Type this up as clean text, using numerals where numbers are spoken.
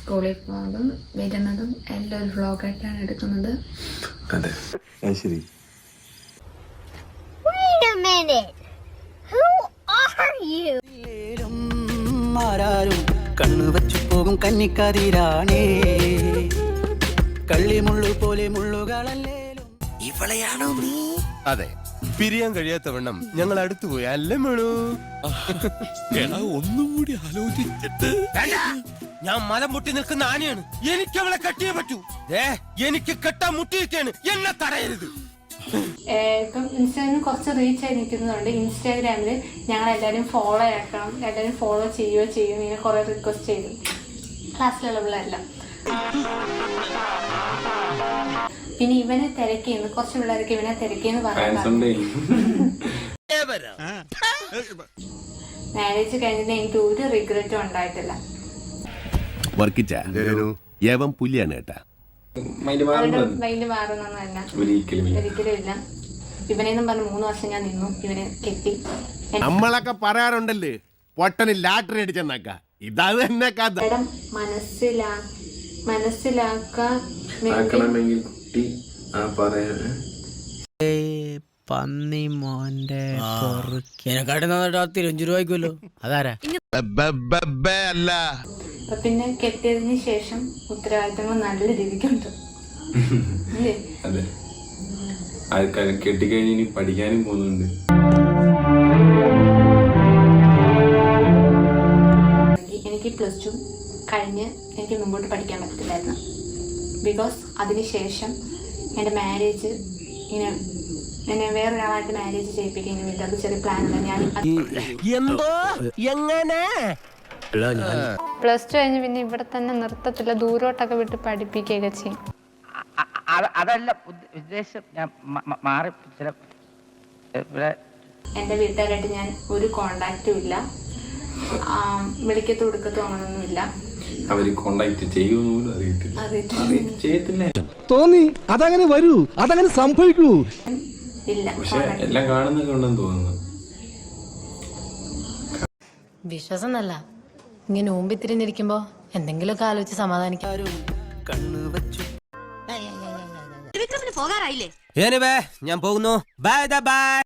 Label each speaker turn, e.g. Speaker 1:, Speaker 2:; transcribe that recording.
Speaker 1: സ്കൂളിൽ പോകുന്നതും വരുന്നതും എല്ലാം ഒരു വ്ളോഗായിട്ടാണ് എടുക്കുന്നത്.
Speaker 2: അതെ ശരി.
Speaker 3: കണ്ണു വച്ചു പോകും കന്നിക്കതിരാണേ കള്ളിമുള്ളു പോലെ മുള്ളുകളല്ലേലും ഇവളെയാണോ നീ?
Speaker 4: അതെ, പിരിയാൻ കഴിയാത്തവണ്ണം ഞങ്ങൾ അടുത്തുപോയി അല്ലേ മേളൂ?
Speaker 2: ഒന്നും കൂടി ആലോചിച്ചിട്ട്
Speaker 4: ഞാൻ മലം മുട്ടി നിൽക്കുന്ന ആനയാണ്, എനിക്ക് അവളെ കെട്ടിയേ പറ്റൂ. എനിക്ക് കെട്ടാൻ മുട്ടിയിരിക്കാണ്, എന്നെ തടയരുത്.
Speaker 1: ഇപ്പം ഇൻസ്റ്റാഗ്രാമിൽ കുറച്ച് റീച്ച് ആയി നിൽക്കുന്നതുകൊണ്ട് ഇൻസ്റ്റാഗ്രാമിൽ ഞങ്ങൾ എല്ലാവരും ഫോളോ ആക്കണം, എല്ലാവരും ഫോളോ ചെയ്യുകയോ ചെയ്യും, ഇങ്ങനെ കുറേ റിക്വസ്റ്റ് ചെയ്തു ക്ലാസ്സിലുള്ള പിള്ളേരെല്ലാം. പിന്നെ ഇവനെ തിരക്കിയെന്ന് കുറച്ച് പിള്ളേർക്ക് ഇവനെ തിരക്കിയെന്ന് പറഞ്ഞു. മാരേജ് കഴിഞ്ഞിട്ട് എനിക്ക് ഒരു റിഗ്രറ്റും ഉണ്ടായിട്ടില്ല.
Speaker 4: പുലിയാണ് കേട്ടാ,
Speaker 1: മൈൻഡ് മാറുന്നൊന്നുമല്ല, ഒരിക്കലും ഇല്ല. ഇവനെന്നും പറഞ്ഞ് 3 വർഷം ഞാൻ നിന്നു, ഇവനെ കെട്ടി.
Speaker 4: നമ്മളൊക്കെ പറയാറുണ്ടല്ലേ പൊട്ടന് ലാട്ടറി അടിച്ചെന്നാക്ക, ഇതാ തന്നെ കഥ.
Speaker 1: മനസ്സിലാക്കാൻ
Speaker 3: പന്നി മോന്റെ തിരഞ്ചു രൂപയ്ക്കുമല്ലോ. അതാരാ?
Speaker 4: അല്ല,
Speaker 1: പിന്നെ കെട്ടിയതിന് ശേഷം ഉത്തരവാദിത്തങ്ങൾ നല്ല രീതിക്കുണ്ട്.
Speaker 2: അതെ, കെട്ടിക്കഴിഞ്ഞ് ഇനി പഠിക്കാനും പോകുന്നുണ്ട്.
Speaker 1: എനിക്ക് +2 കഴിഞ്ഞ് എനിക്ക് മുമ്പോട്ട് പഠിക്കാൻ പറ്റത്തില്ലായിരുന്നു. ബിക്കോസ് അതിനുശേഷം എൻ്റെ മാരേജ് എന്നെ വേറൊരാളായിട്ട് മാരേജ് ചെയ്യിപ്പിക്കാൻ വേണ്ടി അത് ചെറിയ പ്ലാൻ ഉണ്ട്. ഞാൻ +2 കഴിഞ്ഞ് പിന്നെ ഇവിടെ തന്നെ നിർത്തത്തില്ല, ദൂരോട്ടൊക്കെ വിട്ട് പഠിപ്പിക്കുകയൊക്കെ ചെയ്യും.
Speaker 5: അതല്ല ഉദ്ദേശം, ഞാൻ മാറി.
Speaker 1: എൻ്റെ വീട്ടുകാരായിട്ട് ഞാൻ ഒരു കോണ്ടാക്റ്റും ഇല്ല, വിളിക്കത്തും കൊടുക്കത്തും അങ്ങനൊന്നുമില്ല.
Speaker 2: അവര് കോണ്ടാക്ട് ചെയ്യുമെന്ന് അറിയത്തില്ല.
Speaker 6: തോന്നി അതങ്ങനെ വരൂ, അതങ്ങനെ സംഭവിക്കൂ.
Speaker 1: ഇല്ല,
Speaker 2: പക്ഷെ എല്ലാം കാണുന്നൊക്കെ ഉണ്ടെന്ന് തോന്നുന്നു.
Speaker 7: വിശ്വാസം നല്ല ഇങ്ങനെ ഊമ്പി തിരിഞ്ഞിരിക്കുമ്പോ എന്തെങ്കിലുമൊക്കെ ആലോചിച്ച് സമാധാനിക്കാരും.
Speaker 3: കണ്ണു വച്ചു
Speaker 7: പോകാറായില്ലേ?
Speaker 4: ഞാൻ പോകുന്നു. Bye by.